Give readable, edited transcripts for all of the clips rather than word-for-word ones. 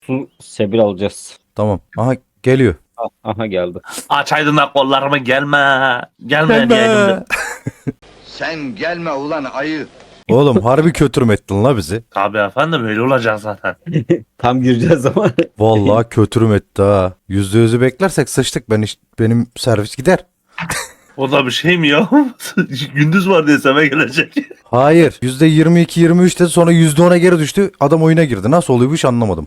Su sebil alacağız. Tamam. Aha geliyor. Aha geldi. Açaydın da kollarımı gelme. Gelme diyeydim. Sen gelme ulan ayı. Oğlum harbi kötürüm ettin la bizi. Tabii efendim öyle olacak zaten. Tam gireceğiz ama. Vallahi kötürüm etti ha. %100'ü beklersek sıçtık. Benim servis gider. O da bir şey mi ya? Gündüz var diye seme gelecek. Hayır. %22-23 dedi, sonra %10'a geri düştü. Adam oyuna girdi. Nasıl oluyor bu iş anlamadım.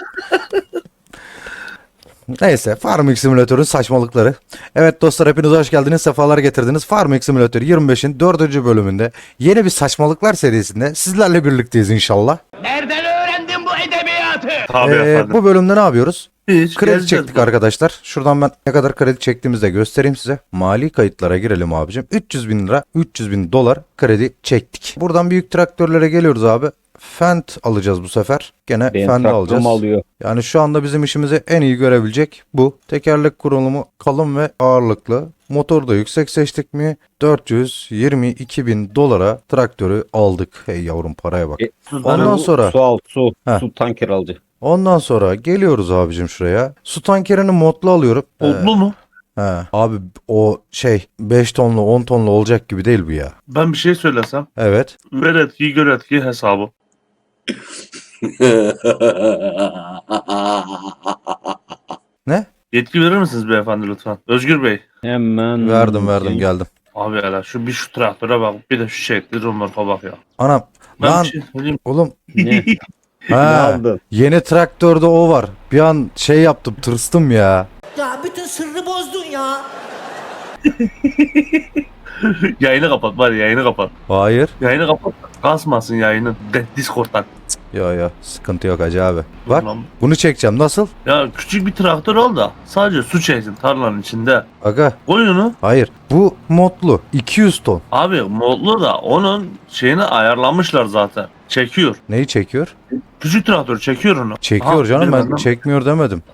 Neyse, Farming Simulator'un saçmalıkları. Evet dostlar, hepiniz hoş geldiniz, sefalar getirdiniz. Farming Simulator 25'in 4. bölümünde yeni bir saçmalıklar serisinde sizlerle birlikteyiz inşallah. Nereden öğrendin bu edebiyatı? Tabii efendim. Bu bölümde ne yapıyoruz? Hiç Kredi gezeceğiz çektik bu. arkadaşlar. Şuradan ben ne kadar kredi çektiğimizi de göstereyim size. Mali kayıtlara girelim abicim. 300 bin lira, 300 bin dolar kredi çektik. Buradan büyük traktörlere geliyoruz abi. Fendt alacağız bu sefer. Gene Benim Fendt alacağız. traktörümü alıyor. Yani şu anda bizim işimizi en iyi görebilecek bu. Tekerlek kurulumu kalın ve ağırlıklı. Motoru da yüksek seçtik mi? 422 bin dolara traktörü aldık. Hey yavrum, paraya bak. Ondan sonra Su Heh. su tanker alacak. ondan sonra geliyoruz abicim şuraya. Su tankerini modlu alıyorum. Oldu mu? He. Abi o 5 tonlu 10 tonlu olacak gibi değil bu ya. Ben bir şey söylesem. Evet. Ver etki gör etki hesabı. Ne? Yetki verir misiniz beyefendi lütfen? Özgür Bey. Hemen. Verdim geldim. Abi hele şu traktöre bak. Bir de şu şekli rumorka bak ya. Anam Ben lan bir şey söyleyeyim. oğlum Ne? Ne ha, aldın? yeni traktörde o var. Bir an şey yaptım, tırstım ya. Ya bütün sırrı bozdun ya. Yayını kapat bari yayını kapat. Hayır. Yayını kapat. Kasmasın yayını. Discord'dan. Ya sıkıntı yok hacı abi. Bak Ulan. bunu çekeceğim, nasıl? Ya küçük bir traktör al da sadece su çeksin tarlanın içinde. Aga Koy onu. hayır, bu modlu 200 ton. Abi modlu da onun şeyini ayarlamışlar zaten. Çekiyor. Neyi çekiyor? Küçük traktör çekiyor onu. Çekiyor Aha, canım, ben bilmem. çekmiyor demedim.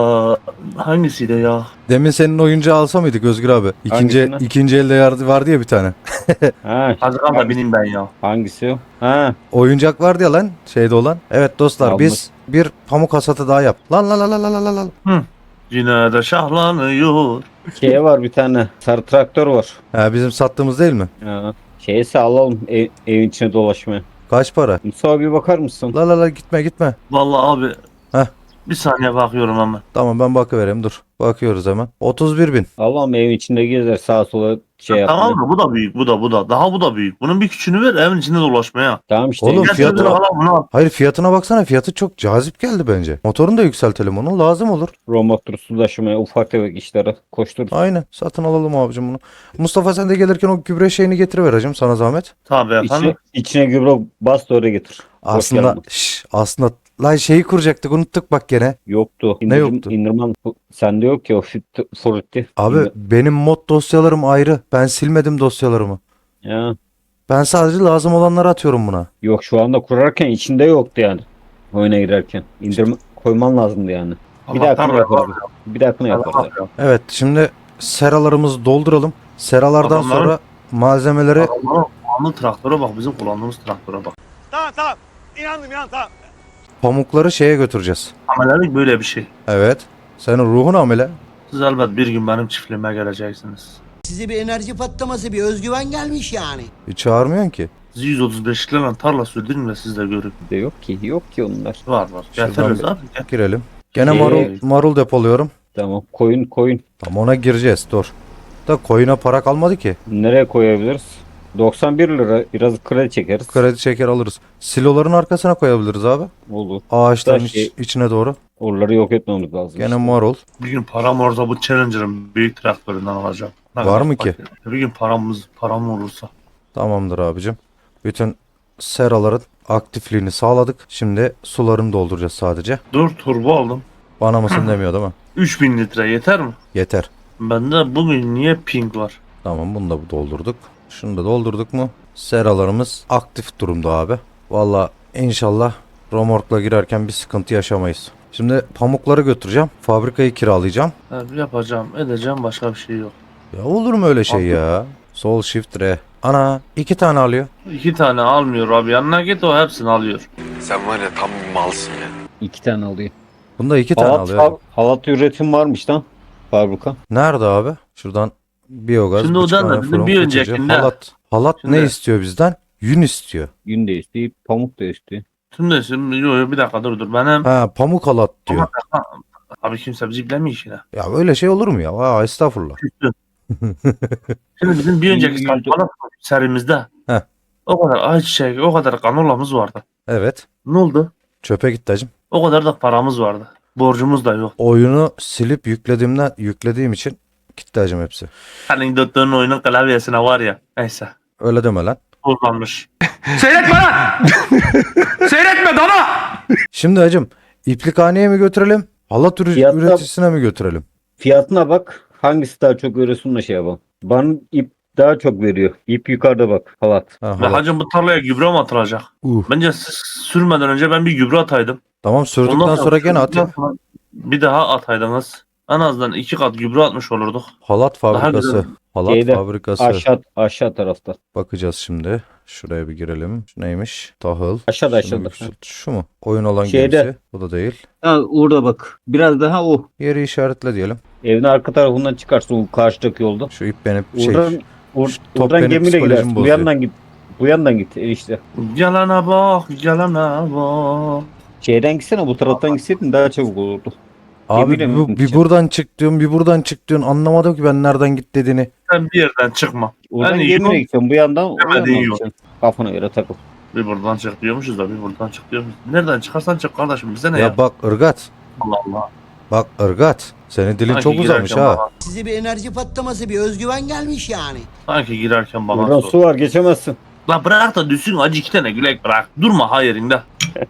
Hangisiydi ya? Demin senin oyuncağı alsa mıydık Özgür abi? Hangisini? İkinci elde vardı ya bir tane. Ha, Haziran da bineyim ben ya. hangisi o? Ha, Oyuncak vardı ya lan, şeyde olan. Evet dostlar, Yalnız. biz bir pamuk hasatı daha yap. Lan lan lan lan lan lan lan. Yine de şahlanıyor. şeye var bir tane. Sarı traktör var. Ha, bizim sattığımız değil mi? Ha. Şeyse alalım evin içine dolaşmaya. Kaç para? Musa bir bakar mısın? La la la, gitme. Vallahi abi. Heh. Bir saniye bakıyorum hemen. Tamam, ben bakıvereyim, dur. Bakıyoruz hemen. 31 bin. Allah'ım evin içinde gezer sağa sola şey yapıyor. Tamam mı? Bu da büyük. Bu da. Daha bu da büyük. Bunun bir küçüğünü ver evin içinde dolaşmaya. Tamam işte. Oğlum, Gel fiyatına- şöyle bakalım, bunu al. Hayır, fiyatına baksana, fiyatı çok cazip geldi bence. Motorunu da yükseltelim, onu lazım olur. Romotor su taşımaya ufak tefek işlere koştururuz. Aynen, satın alalım abicim bunu. Mustafa, sen de gelirken o gübre şeyini getiriver hacım, sana zahmet. Tabii efendim. İçine gübre bas da oraya getir. Boş Aslında yapma. aslında lan şeyi kuracaktık, unuttuk bak gene. Yoktu. Ne yoktu? İndirman sende yok ki o frutti. Abi benim mod dosyalarım ayrı. Ben silmedim dosyalarımı. Ya. Ben sadece lazım olanları atıyorum buna. Yok şu anda kurarken içinde yoktu yani. Oyuna girerken. İndirme koyman lazımdı yani. Bir Allah'tan dahakine yaparız. Bir dahakine yaparız. Evet, şimdi seralarımızı dolduralım. Seralardan Adamların- sonra malzemeleri Kullandığı traktöre bak. Bizim kullandığımız traktöre bak. Tamam. İnandım tamam. pamukları şeye götüreceğiz. Amelelik böyle bir şey. Evet. Senin ruhun amele. Siz elbet bir gün benim çiftliğime geleceksiniz. Size bir enerji patlaması, bir özgüven gelmiş yani. Hiç çağırmıyorsun ki. Sizi 135'liklerle tarla sürdürün de siz de görün. De yok ki. Yok ki onlar. Var. Şuradan Getiririz bir- abi. Gel. Girelim. Gene Şey- marul depoluyorum. Tamam. Koyun. Tam ona gireceğiz, dur. Da koyuna para kalmadı ki. Nereye koyabiliriz? 91 lira. Biraz kredi çekeriz. Kredi çeker alırız. Siloların arkasına koyabiliriz abi. Olur. Ağaçların Da şey- içine doğru. Oraları yok etmemiz lazım. Gene işte. marul. Bir gün param olursa bu Challenger'ın büyük traktöründen alacağım. Ne Var kadar mı ki? fakir. Bir gün param olursa. Tamamdır abicim. Bütün seraların aktifliğini sağladık. Şimdi sularını dolduracağız sadece. 4 turbo aldım. Bana mısın demiyor değil mi? 3000 litre yeter mi? Yeter. Bende bugün niye ping var? Tamam, bunu da doldurduk. Şunu da doldurduk mu? Seralarımız aktif durumda abi. Valla inşallah romorkla girerken bir sıkıntı yaşamayız. Şimdi pamukları götüreceğim. Fabrikayı kiralayacağım. Yapacağım, edeceğim, başka bir şey yok. Ya olur mu öyle şey Abi. ya? Sol shift R. Ana 2 tane alıyor. 2 tane almıyor abi. Yanına git o hepsini alıyor. Sen var ya tam bir malsın ya. 2 tane alıyor. Bunda 2 tane alıyor. Halat üretim varmış lan fabrika. Nerede abi? Şuradan biyogaz, Şimdi o bıçak, da bizim fırın, bir fıçıcı, öncekinde- halat. Halat ne Şimdi- istiyor bizden? Yün istiyor. Yün de istiyor, pamuk da istiyor. Şimdi yo, bir dakika dur benim. Ha, pamuk halat diyor. Abi kimse bizi bilemiyor işine. Ya öyle şey olur mu ya? Aa, estağfurullah. Şimdi bizim bir önceki Yüzde- saçmalık serimizde Heh. o kadar ayçiçeği, o kadar kanolamız vardı. Evet. Ne oldu? Çöpe gitti hacım. O kadar da paramız vardı. Borcumuz da yok. Oyunu silip yüklediğim için gitti hacım hepsi. Senin döttüğün oyunun klavyesine var ya. Neyse. Öyle deme lan. Kullanmış. Şimdi hacım iplikhaneye mi götürelim? Halat Fiyatlar- üreticisine mi götürelim? Fiyatına bak. Hangisi daha çok verirsin da şey yapalım. Bana ip daha çok veriyor. İp yukarıda bak. Halat. Ha, Ve halat. hacım bu tarlaya gübre mi atılacak? Bence siz sürmeden önce ben bir gübre ataydım. Tamam, sürdükten Ondan sonra gene at. sürdükten sonra bir daha ataydınız. En azından 2 kat gübre atmış olurduk. Halat fabrikası. güzel. Halat Şeyde, fabrikası. Aşağı tarafta. Bakacağız şimdi. Şuraya bir girelim. Şu neymiş? Tahıl. Aşağıda, Şunu aşağıda. yükselt. Şu mu? Oyun olan Şeyde. gemisi. Bu da değil. Ha, orada bak. Biraz daha o. Yeri işaretle diyelim. Evin arka tarafından çıkarsın o karşıdaki yolda. Şu ip benim Oradan, şu top oradan benim gemiyle psikolojimi gidersin. Bu bozuyor. yandan git. Bu yandan git işte. Gelene bak, gelene bak. Şeyden gitsene, bu taraftan gitseydin daha çabuk olurdu. Abi Gemiyle mi bir gideceksin? buradan çık diyorsun, bir buradan çık diyorsun. Anlamadım ki ben nereden git dediğini. Sen bir yerden çıkma. Oradan Yani gemiyle yol- gideceksin. Bu yandan o Demediğin yandan yol. gideceksin. Kafana göre takıl. Bir buradan çık diyormuşuz da bir buradan çık diyormuşuz. Nereden çıkarsan çık kardeşim, bize ne ya? Ya bak ırgat. Allah Allah. Bak ırgat. Senin dilin Sanki çok uzamış girerken ha. bana- Size bir enerji patlaması, bir özgüven gelmiş yani. Sanki girerken bana Buradan sor. su var, geçemezsin. La bırak da düşsün acı 2 tane gülek bırak. Durma ha yerinde.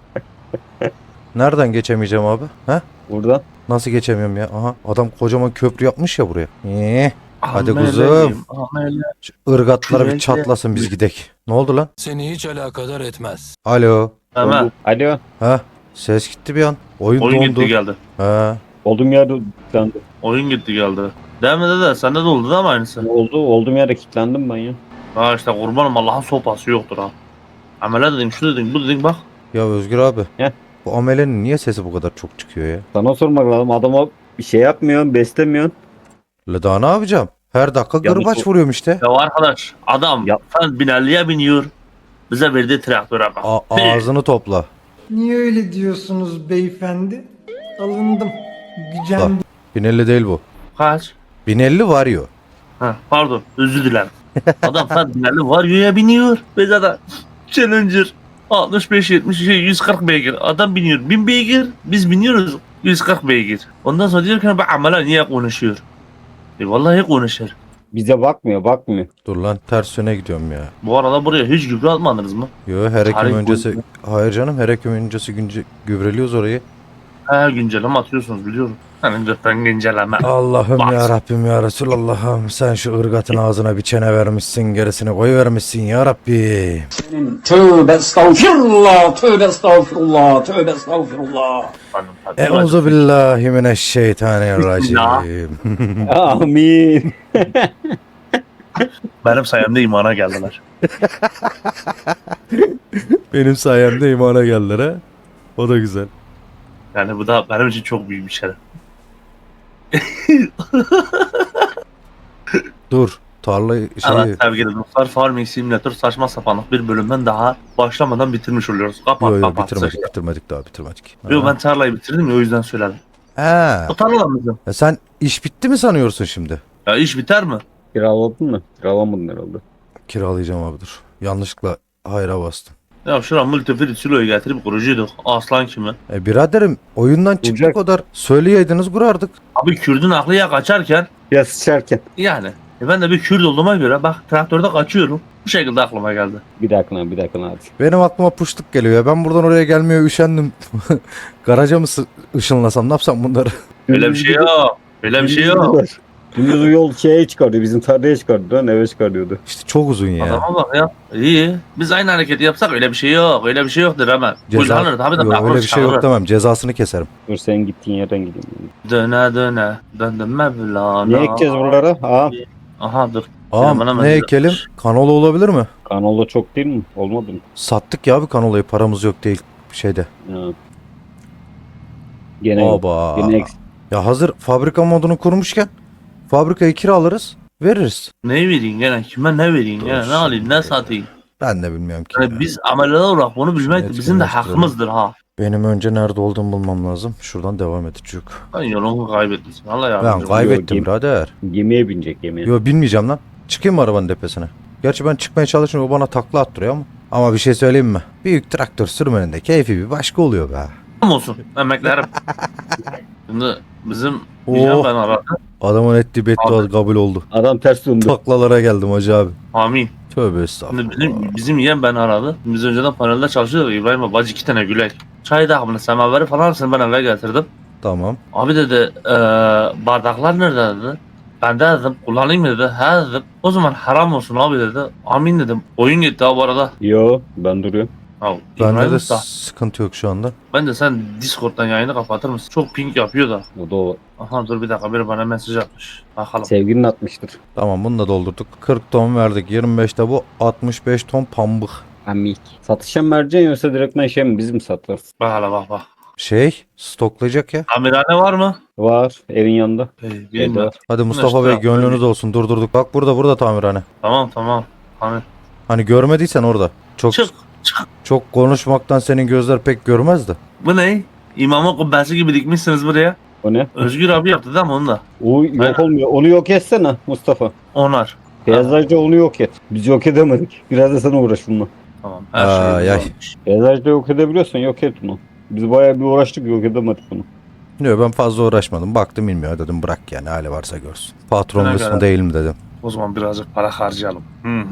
Nereden geçemeyeceğim abi? He? Buradan. Nasıl geçemiyorum ya? Aha, adam kocaman köprü yapmış ya buraya. Hadi Ameleyim, kuzum. amele. Şu ırgatlar bir Şuraya çatlasın biz gidek. Ne oldu lan? Seni hiç alakadar etmez. Alo. Hemen. Alo. Ha? Ses gitti bir an. Oyun Oyun dondu. gitti geldi. Ha. Olduğum yerde kilitlendim. Oyun gitti geldi. Demede de sende de oldu değil mi aynısı? Olduğum yerde kilitlendim ben ya. Ha işte kurbanım Allah'ın sopası yoktur ha. Amele dedim şu dedim bu dedim bak. Ya Özgür abi. Heh. Bu amelenin niye sesi bu kadar çok çıkıyor ya? Sana sormak lazım. Adama bir şey yapmıyorsun, beslemiyorsun. La daha ne yapacağım? Her dakika Ya bu gırbaç çok- vuruyorum işte. Ya arkadaş adam Ya- sen binerliğe biniyor. Bize verdiği traktöre bak. Ağzını topla. Niye öyle diyorsunuz beyefendi? Alındım. Gücendim. 1050 değil bu. Kaç? 1050 varıyor. Ha, pardon özür dilerim. Adam sen binerli varyoya biniyor. Bize de Challenger 65-70 140 beygir. Adam biniyor 1000 beygir. Biz biniyoruz 140 beygir. Ondan sonra diyor ki bu amele niye konuşuyor? Vallahi konuşur. Bize bakmıyor. Dur lan ters yöne gidiyorum ya. Bu arada buraya hiç gübre atmadınız mı? Yo her ekim Tarih öncesi. boyunca- Hayır canım, her ekim öncesi gübreliyoruz orayı. He güncelleme atıyorsunuz biliyorum. Hani lütfen güncelleme. Allah'ım Bak. ya Rabbim ya Resulallah'ım, sen şu ırgatın ağzına bir çene vermişsin, gerisini koy vermişsin ya Rabbi. Tövbe estağfirullah, tövbe estağfirullah, tövbe estağfirullah. Euzu billahi mineşşeytanirracim. Amin. Benim sayemde imana geldiler. Benim sayemde imana geldiler ha. O da güzel. Yani bu da benim için çok büyük bir şeref. Dur tarlayı Evet sevgili dostlar Farming Simulator saçma sapanlık bir bölümden daha başlamadan bitirmiş oluyoruz. Kapat Yo, kapat. bitirmedik daha bitirmedik. Yo ben tarlayı bitirdim ya o yüzden söyledim. Ha. O tarla mıydı? Sen iş bitti mi sanıyorsun şimdi? Ya iş biter mi? Kiraladın mı? Kiralamadın herhalde. Kiralayacağım abi dur. Yanlışlıkla hayra bastım. Ya şura multifrit siloyu getirip kurucuyduk. Aslan kimi? Biraderim oyundan çıktık Olacak. o kadar. Söyleyeydiniz kurardık. Abi Kürdün aklıya kaçarken Ya sıçarken. yani ben de bir Kürt olduğuma göre bak traktörde kaçıyorum. Bu şekilde aklıma geldi. Bir dakika hadi. Benim aklıma puştuk geliyor ya. Ben buradan oraya gelmeye üşendim. Garaja mı ışınlasam, ne yapsam bunları? Öyle bir şey yok. Öyle bir şey yok. Dümdüz o yol şeye çıkarıyor. Bizim tarlaya çıkardı. Lan eve çıkarıyordu. İşte çok uzun ya. Adama bak ya. İyi. Biz aynı hareketi yapsak öyle bir şey yok. Öyle bir şey yoktur hemen. Kullanır tabii de Yok, ben öyle bir şey yok demem. Cezasını keserim. Dur sen gittiğin yerden gideyim. Döne döne. Döndüm Mevlana. Ne ekeceğiz buralara? Aa, Aha dur. Ağam Hemen ne ekelim? Kanola olabilir mi? kanola çok değil mi? Olmadı mı? Sattık ya abi kanolayı. Paramız yok değil şeyde. Ha. Gene yok. Oba. Gene eksik. Ya hazır fabrika modunu kurmuşken fabrikayı kiralarız, veririz. Ne vereyim gene? Kime ne vereyim gene? Ne alayım ne satayım? Ben de bilmiyorum ki. Yani biz ameliler olarak bunu bilmek de bizim de Etkinleştirelim. hakkımızdır ha. Benim önce nerede olduğumu bulmam lazım. Şuradan devam edecek. Ben yolumu kaybetmişsin. Allah Ben yardımcım. kaybettim Yok, birader. Gemiye binecek gemiye. Yo bilmeyeceğim lan. Çıkayım mı arabanın tepesine? Gerçi ben çıkmaya çalışıyorum, o bana takla attırıyor ama. Ama bir şey söyleyeyim mi? Büyük traktör sürmenin de keyfi bir başka oluyor be. olsun emeklerim. Şimdi bizim Oh. diyeceğim ben aradım. Adamın ettiği beddua kabul oldu. Adam ters döndü. Taklalara geldim hacı abi. Amin. Tövbe estağfurullah. Şimdi bizim yeğen ben aradı. Biz önceden panelde çalışıyorduk. İbrahim abi bacı 2 tane gülek. Çay dağımını semaveri falan seni ben eve getirdim. Tamam. Abi dedi bardaklar nerede dedi. Ben de dedim kullanayım mı dedi. He dedim. O zaman haram olsun abi dedi. Amin dedim. Oyun gitti abi bu arada. Yo ben duruyorum. Ya, Bende İbrahim de Usta, sıkıntı yok şu anda. ben de sen Discord'dan yayını kapatır mısın? Çok ping yapıyor da. O da o. Aha dur bir dakika biri bana mesaj atmış. Bakalım. Sevgilin atmıştır. Tamam, bunu da doldurduk. 40 ton verdik. 25'te bu. 65 ton pambık. Amik. Satışa mı vereceksin yoksa direktmen şey mi biz mi satarız? Bak hele bak bak. Stoklayacak ya. Amirane var mı? Var evin yanında. Bilmiyorum. Hadi Mustafa Bey, gönlünüz olsun. Durdurduk. Bak burada tamirhane. Tamam tamam. Hani Hani görmediysen orada. Çok çık. çok konuşmaktan senin gözler pek görmez de. Bu ne? İmamın kubbesi gibi dikmişsiniz buraya. O ne? Özgür abi yaptı değil mi onu da? O yok olmuyor. Onu yok etsene Mustafa. Onar. Peyzajda onu yok et. Biz yok edemedik. Biraz da sen uğraş bununla. Tamam. Her Ay, şey ay. olmuş. Peyzajda yok edebiliyorsan yok et bunu. Biz bayağı bir uğraştık yok edemedik bunu. Yok, ben fazla uğraşmadım. Baktım bilmiyor dedim, bırak yani, hali varsa görsün. Patron Ne kısmı kadar? değil mi dedim. O zaman birazcık para harcayalım.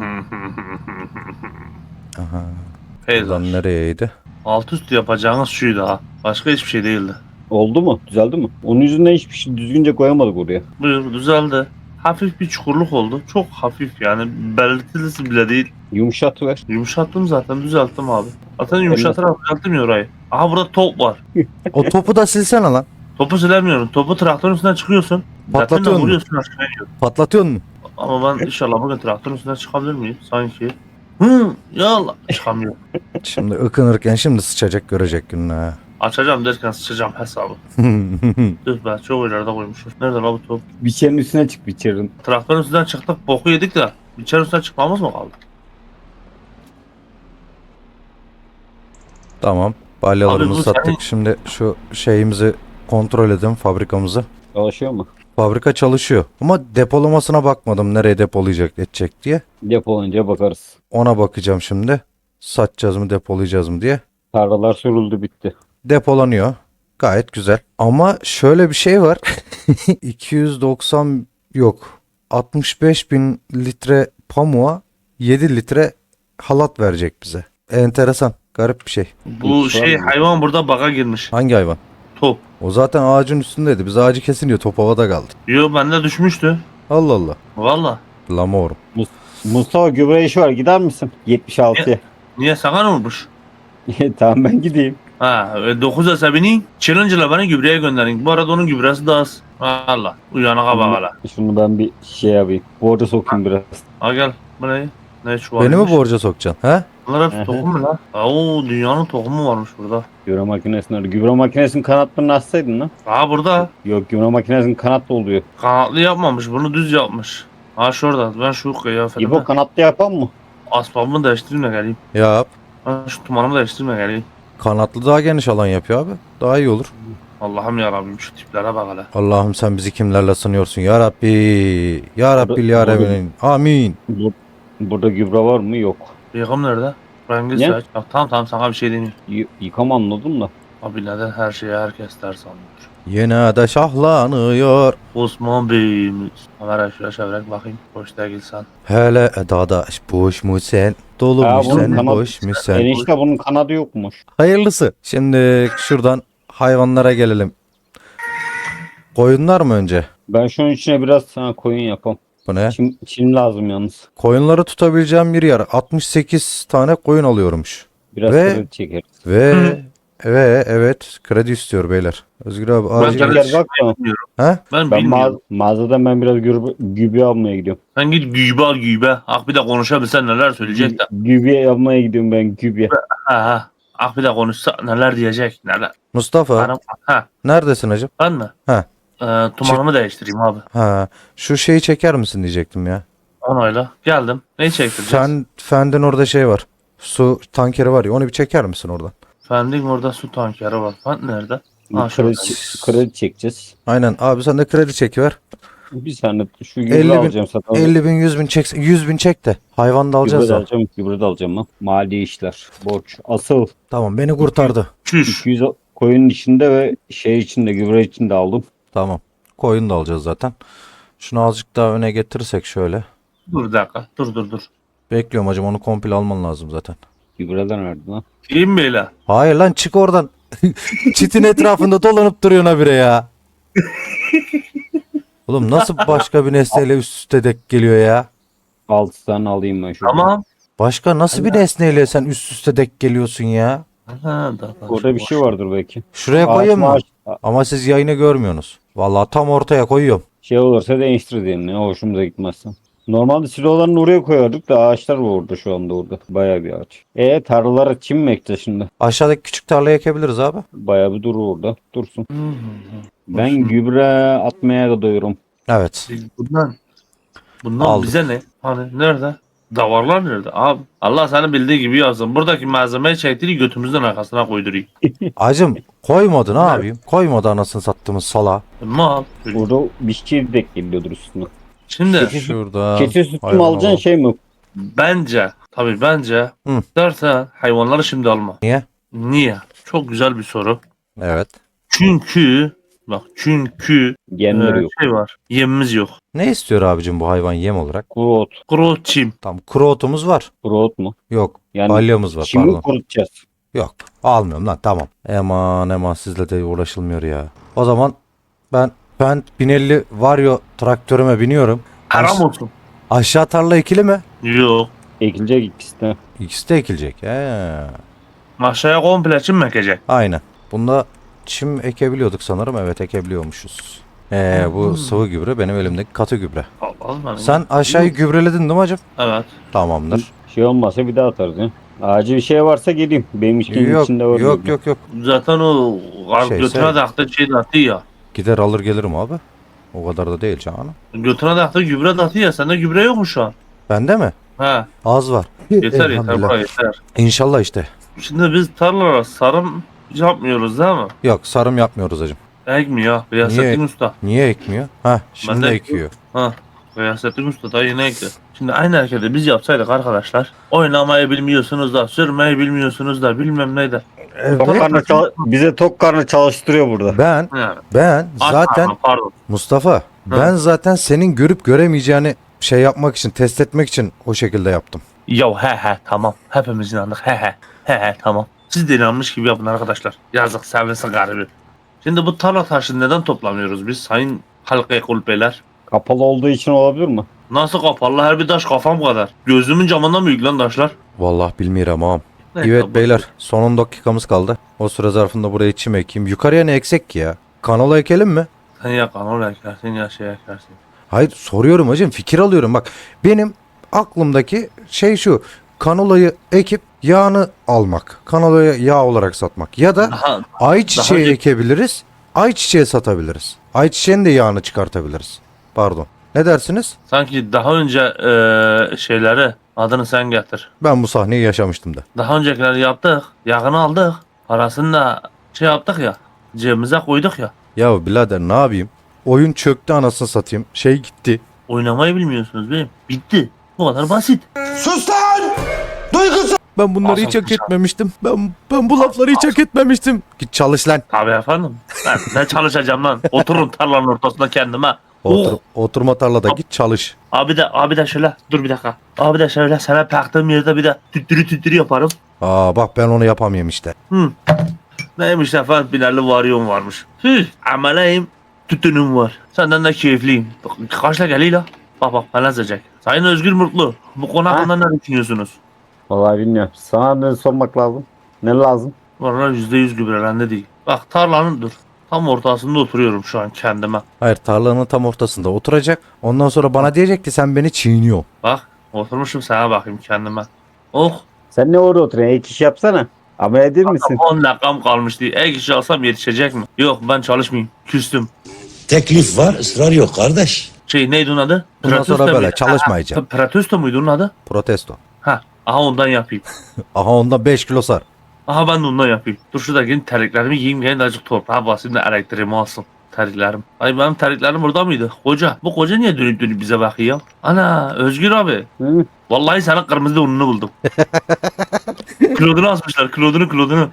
Aha. Peyzaj. Buradan nereyeydi? Alt üst yapacağınız şuydu ha. Başka hiçbir şey değildi. Oldu mu? Düzeldi mi? Onun yüzünden hiçbir şey düzgünce koyamadık oraya. Buyur düzeldi. Hafif bir çukurluk oldu. Çok hafif yani belirtilisi bile değil. Yumuşat ver. Yumuşattım zaten düzelttim abi. Zaten yumuşatarak düzelttim ya orayı. Aha burada top var. O topu da silsene lan. Topu silemiyorum. Topu traktörün üstüne çıkıyorsun. Patlatıyor Zaten mu? vuruyorsun aşağıya iniyor. Patlatıyor mu? Ama ben inşallah bugün traktörün üstüne çıkabilir miyim? Sanki. Hı, ya Allah. Çıkamıyor. Şimdi ıkınırken şimdi sıçacak, görecek gününü ha. Açacağım derken sıçacağım hesabı. Dur ben çok ileride koymuşum. Nerede lan bu top? Biçerin üstüne çık biçerin. Traktörün üstünden çıktık boku yedik de. İçeri üstüne çıkmamız mı kaldı? Tamam. Balyalarımızı Abi bu sattık. senin- Şimdi şu şeyimizi kontrol edelim, fabrikamızı. Çalışıyor mu? Fabrika çalışıyor. Ama depolamasına bakmadım, nereye depolayacak edecek diye. Depolanınca bakarız. Ona bakacağım şimdi. Satacağız mı, depolayacağız mı diye. Tarlalar sürüldü bitti. Depolanıyor. Gayet güzel. Ama şöyle bir şey var. 290 yok. 65 bin litre pamuğa 7 litre halat verecek bize. Enteresan. Garip bir şey. Bu Hiç var şey mı? hayvan burada baga girmiş. Hangi hayvan? Top. O zaten ağacın üstündeydi. Biz ağacı kesin diyor. Top havada kaldı. Yo bende düşmüştü. Allah Allah. Valla. Lamorum. Mustafa gübre işi var gider misin? 76'ya. Niye sana olmuş? Tamam ben gideyim. Ha 9 hesabını challenge'la bana gübreye gönderin. Bu arada onun gübresi daha az. Valla. Uyanığa bak hala. Şunu ben bir şey yapayım. Borca sokayım biraz. Ha gel. Bu ne? Ne şu Beni mi borca sokacaksın? He? Bunlar hep Hı hı. tohum mu lan? Oo dünyanın tohumu varmış burada. Gübre makinesini arıyor. Gübre makinesinin kanatlarını açsaydın lan. Ha burada. Yok gübre makinesinin kanatlı oluyor. Kanatlı yapmamış. Bunu düz yapmış. Ha şurada. Ben şu kıyafetimi İbo kanatlı yapan mı? asbabımı değiştireyim de geleyim. Yap. Ben şu tumanımı değiştireyim de geleyim. Kanatlı daha geniş alan yapıyor abi. Daha iyi olur. Allah'ım yarabbim şu tiplere bak hele. Allah'ım sen bizi kimlerle sınıyorsun ya Rabbi. Ya Rabbi ya Rabbi'nin. Amin. Burada gübre var mı? Yok. Yıkım nerede? Rengi Ne? saç. Ya, tamam sana bir şey deneyim. Yıkam anladım da. Abi neden her şeye herkes ters anlıyor? Yine de şahlanıyor. Osman Bey'imiz. Kamera şuraya çevirek bakayım. Boş değilsen. Hele dadaş boş mu sen? Dolu Ya mu bunun sen? kanat- Boş mu sen? Enişte bunun kanadı yokmuş. Hayırlısı. Şimdi şuradan hayvanlara gelelim. Koyunlar mı önce? Ben şunun içine biraz sana koyun yapam. Bu ne? Çim lazım yalnız. Koyunları tutabileceğim bir yer. 68 tane koyun alıyormuş. Biraz Ve- kredi çekeriz. Ve evet, kredi istiyor beyler. Özgür abi acil. Ben- Gel bak da. Ha? Ben Ben bilmiyorum. mağazadan ben biraz gübre almaya gidiyorum. Sen git gübe al gübe. Ah bir de konuşabilsen neler söyleyecek de. Gübre almaya gidiyorum ben gübre. Ha ha. Ah bir de konuşsa neler diyecek neler. Mustafa Ha neredesin hacım? ben mi? Ha. Tumanımı değiştireyim abi. Ha, şu şeyi çeker misin diyecektim ya. Onayla. Geldim. Neyi çektireceğiz? Fend'in orada şey var. Su tankeri var ya, onu bir çeker misin oradan? Fending orada su tankeri var. Fend nerede? Ha, Kredi, şurada. kredi çekeceğiz. Aynen abi, sen de kredi çekiver. Bir saniye şu 50 gübre bin, alacağım satın. 50 bin 100 bin çek, 100 bin çek de hayvan da Gübre alacağız de da. alacağım, gübre de alacağım lan. Mali işler, borç. Asıl Tamam, beni kurtardı. Çüş. 200 koyun içinde ve şey içinde, gübre içinde aldım. Tamam, koyun da alacağız zaten. Şunu azıcık daha öne getirirsek şöyle. Dur bir dakika. Dur. Bekliyorum hacım, onu komple alman lazım zaten. Gübreden verdim lan. İyiyim mi öyle? Hayır lan, çık oradan. Çitin etrafında dolanıp duruyorsun habire ya. Oğlum nasıl başka bir nesneyle üst üste denk geliyor ya? 6 tane alayım ben şurada. Tamam. Başka nasıl bir nesneyle sen üst üste denk geliyorsun ya? Ha, Orada bir şey vardır belki. Şuraya Ağaç koyayım mı? maaş- Ama siz yayını görmüyorsunuz. Vallahi tam ortaya koyuyorum. Şey olursa değiştir diyelim ne hoşumuza gitmezse. Normalde silolarını oraya koyardık da ağaçlar var orada şu anda orada. Bayağı bir ağaç. Tarlalara çim mi ekeceğiz şimdi? Aşağıdaki küçük tarlayı ekebiliriz abi. Bayağı bir durur orada. Dursun. Ben gübre atmaya da doyurum. Evet. Bundan Aldım. bize ne? Hani nerede? Davarlar nerede? Abi Allah seni bildiği gibi yazsın. Buradaki malzemeyi çektiğini götümüzün arkasına koydurayım. Acım koymadı, ne yapayım? Koymadı anasını sattığımız sala. Mal. Orada bir şey denk geliyordur üstüne. Şimdi Şurada. Keçi sütü mü hayvan alacaksın alalım. şey mi? bence Hı. dersen hayvanları şimdi alma. Niye? Niye? Çok güzel bir soru. Evet. Çünkü Genleri yok. şey var. Yemimiz yok. Ne istiyor abicim bu hayvan yem olarak? Kuru ot. Kuru çim. Tam kuru otumuz var. Kuru ot mu? Yok. Yani Balyamız var, çimi pardon. kurutacağız. Yok. Almıyorum lan, tamam. Eman sizle de uğraşılmıyor ya. O zaman ben 1050 Vario traktörüme biniyorum. Haram olsun. Aşağı tarla ikili mi? Yok. Ekilecek ikisi de. İkisi de ekilecek. Aşağıya komple çim mi ekecek? Aynen. Bunda çim ekebiliyorduk sanırım. Evet, ekebiliyormuşuz. Bu sıvı gübre benim elimdeki katı gübre. Allah. Sen aşağıyı gübreledin değil mi hacım? Evet. Tamamdır. Şey olmazsa bir daha atarız ya. Acil bir şey varsa geleyim. Benim işkimin Yok içinde var. yok. Zaten o Şey, götüne sen- taktı şey de attı ya. Gider alır gelirim abi. O kadar da değil canım. Götüne taktı gübre de attı ya. Sende gübre yok mu şu an? Bende mi? He. Az var. Yeter Elhamdülillah. bura yeter. İnşallah işte. Şimdi biz tarlalara sarım yapmıyoruz değil mi? Yok, sarım yapmıyoruz hacım. Ekmiyor. Riyasettin Usta. Niye ekmiyor? Ha, şimdi Ben de ekiyor. Ha. Riyasettin Usta da yine ekti. Şimdi aynı hareketi biz yapsaydık arkadaşlar. Oynamayı bilmiyorsunuz da, sürmeyi bilmiyorsunuz da, bilmem ne de. Bize tok karnı çalıştırıyor burada. Ben zaten Pardon. Mustafa, ben zaten senin görüp göremeyeceğini şey yapmak için, test etmek için o şekilde yaptım. Ya he tamam. Hepimiz inandık. He tamam. Siz de inanmış gibi yapın arkadaşlar. Yazık sevinsin garibi. Şimdi bu tarla taşını neden toplamıyoruz biz sayın halka kulübeler? Kapalı olduğu için olabilir mi? Nasıl kapalı? Her bir taş kafam kadar. Gözümün camından büyük lan taşlar. Vallahi bilmiyorum ağam. Neyse, Evet bu- beyler, son 10 dakikamız kaldı. O süre zarfında buraya çim ekeyim. Yukarıya ne eksek ki ya? Kanola ekelim mi? Sen ya kanal ekersin ya şey ekersin. Hayır, soruyorum hacım, fikir alıyorum. Bak benim aklımdaki şey şu: kanolayı ekip yağını almak, kanolayı yağ olarak satmak, ya da Daha, ayçiçeği önce- ekebiliriz, ayçiçeği satabiliriz, ayçiçeğin de yağını çıkartabiliriz. Pardon, ne dersiniz? sanki daha önce şeyleri adını sen getir. Ben bu sahneyi yaşamıştım da. Daha öncekileri yaptık. Yağını aldık. Parasını da şey yaptık ya. Cebimize koyduk ya. Ya birader, ne yapayım? Oyun çöktü anasını satayım. Şey gitti. Oynamayı bilmiyorsunuz benim. Bitti. Bu kadar basit. Sus lan! Duygusuz! Ben bunları hiç hak etmemiştim. Ben bu lafları hiç hak etmemiştim. Git çalış lan. Tabii efendim. Ben ne çalışacağım lan? Otururum tarlanın ortasında kendime. Oturma tarlada git çalış. Abi de şöyle dur bir dakika. Abi de şöyle sana baktığım yerde bir de tüttürü yaparım. Aa bak, ben onu yapamıyorum işte. Neymiş efendim, binerli varyon varmış. Ameleyim, tütünüm var. Senden de keyifliyim. Kaçla geliyle. Bak ben yazacak. Sayın Özgür Mutlu, bu konu hakkında ne düşünüyorsunuz? Vallahi bilmiyorum. Sana ne sormak lazım? Ne lazım? Vallahi %100 gübrelendi değil. Bak tarlanın dur. Tam ortasında oturuyorum şu an kendime. Hayır, tarlanın tam ortasında oturacak. Ondan sonra bana diyecek ki sen beni çiğniyorsun. Bak oturmuşum sana bakayım kendime. Oh Sen ne orada oturuyorsun? Ek iş yapsana. Ama edir misin? 10 dakikam kalmıştı. Ek iş alsam yetişecek mi? Yok ben çalışmayayım. Küstüm. Teklif var, ısrar yok kardeş. Neydi onun adı? Bundan sonra Protesto böyle muydu? çalışmayacağım. Protesto muydu onun adı? Protesto. Ha. Aha ondan yapayım. Aha onda 5 kilo sar. Aha ben de ondan yapayım. Dur şuradaki terliklerimi giyeyim. Gene de azıcık toprağa basayım da elektriğimi alsın. Terliklerim. Ay benim terliklerim burada mıydı? Koca. Bu koca niye dönüp dönüp bize bakıyor? Ana Özgür abi. Hı? Vallahi senin kırmızı donunu buldum. Klodunu asmışlar. Klodunu.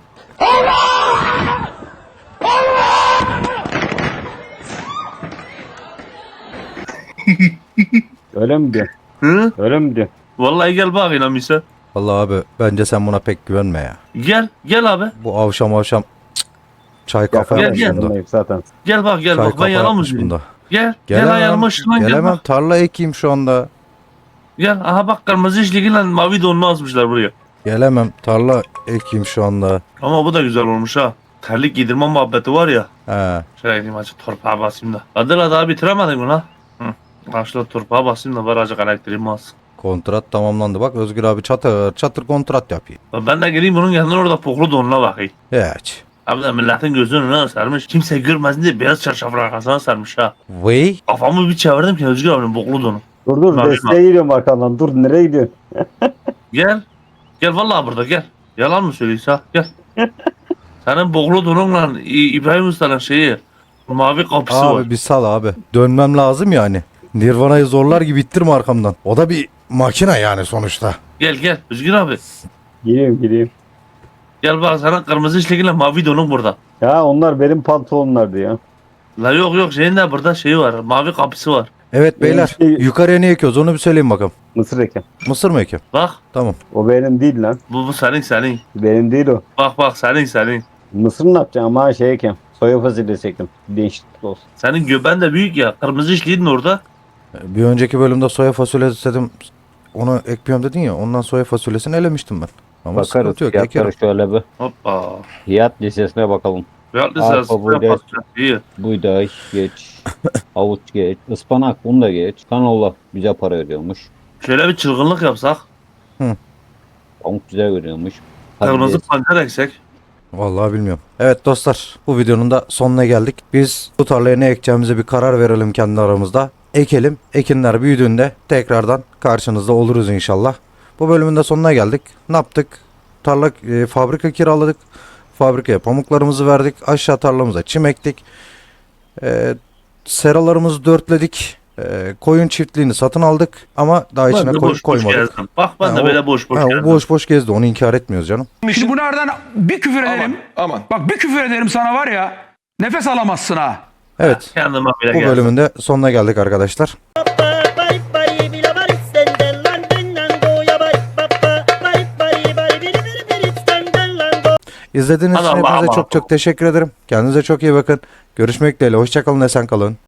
Öyle mi diyor? Hı? Öyle mi diyor? Vallahi gel bak inanmışsa. Vallahi abi bence sen buna pek güvenme ya. Gel abi. Bu avşam cık, çay kafa Gel, yapmış gel. bunda. Zaten. Gel bak Çay ben kafa yalan mı yapmış söyleyeyim? bunda. Gel Gelemem. yanıma şuradan gel Gelemem. bak. Tarla ekeyim şu anda. Gel aha bak kırmızı işliğiyle mavi donunu asmışlar buraya. Gelemem. Tarla ekeyim şu anda. Ama bu da güzel olmuş ha. Terlik giydirme muhabbeti var ya. He. Şöyle gideyim azıcık torpağa basayım da. Adıyla daha bitiremedin mi lan? Hı. Başla torpağa basayım da var azıcık elektriğimi alsın. Kontrat tamamlandı. Bak Özgür abi çatır kontrat yapıyor. Ben de geleyim bunun yanına orada poklu donuna bakayım. Hiç. Abi de milletin gözünün önüne sarmış. Kimse görmesin diye beyaz çarşafın arkasına sarmış ha. Vay. Kafamı bir çevirdim ki Özgür abinin boklu donu. Dur Mavi desteğe giriyorum arkandan. Dur nereye gidiyorsun? Gel. Gel vallahi burada gel. Yalan mı söylüyorsun ha? Gel. Senin boklu donunla İbrahim Usta'nın şeyi mavi kapısı Abi var. bir sal abi. Dönmem lazım yani. Nirvana'yı zorlar gibi ittirme arkamdan. O da bir makine yani sonuçta. Gel Özgür abi. Gireyim. Gel bak senin kırmızı işlekiyle mavi donun burada. Ya onlar benim pantolonlardı ya. La yok şeyin de burada şeyi var. Mavi kapısı var. Evet beyler. Benim şey- Yukarıya ne ekiyoruz onu bir söyleyin bakalım. Mısır eken. Mısır mı ekiyorum? Bak Tamam. O benim değil lan. bu senin. Benim değil o. Bak senin. Mısır ne yapacaksın ama şey eken. Soya fasulyesi ektim. Değişiklik olsun. Senin göben de büyük ya. Kırmızı işliğin orada. Bir önceki bölümde soya fasulyesi dedim. Onu ekmiyorum dedin ya. Ondan soya fasulyesini elemiştim ben. Ama Bakarız. sıkıntı yok. Ekerim. Fiyatları şöyle bir. Hoppa. Fiyat listesine bakalım. Fiyatlı Arpa, sırası. buğday. İyi. Buğday geç. Havuç geç. Ispanak bunu da geç. Kanola bize para veriyormuş. Şöyle bir çılgınlık yapsak. Pamuk bize veriyormuş. Kırmızı Patates. pancar eksek. Vallahi bilmiyorum. Evet dostlar bu videonun da sonuna geldik. Biz bu tarlaya ne ekeceğimize bir karar verelim kendi aramızda. Ekelim. Ekinler büyüdüğünde tekrardan karşınızda oluruz inşallah. Bu bölümün de sonuna geldik. Ne yaptık? Tarla fabrika kiraladık. Fabrikaya pamuklarımızı verdik. Aşağı tarlamıza çim ektik. Seralarımızı dörtledik. Koyun çiftliğini satın aldık. Ama daha içine Ben de koyun boş koymadık. gezdim. Bak ben Ha, de o- böyle boş Ha, o gezdim. boş gezdi. Onu inkar etmiyoruz canım. Şimdi bunlardan bir küfür ederim. Aman. Bak bir küfür ederim sana var ya. Nefes alamazsın ha. Evet. Kendime bile Bu gezdim. bölümün de sonuna geldik arkadaşlar. İzlediğiniz için Hadi Allah'a hepinize emanet çok teşekkür ederim. Kendinize çok iyi bakın. Görüşmek dileğiyle. Hoşçakalın. Esen kalın.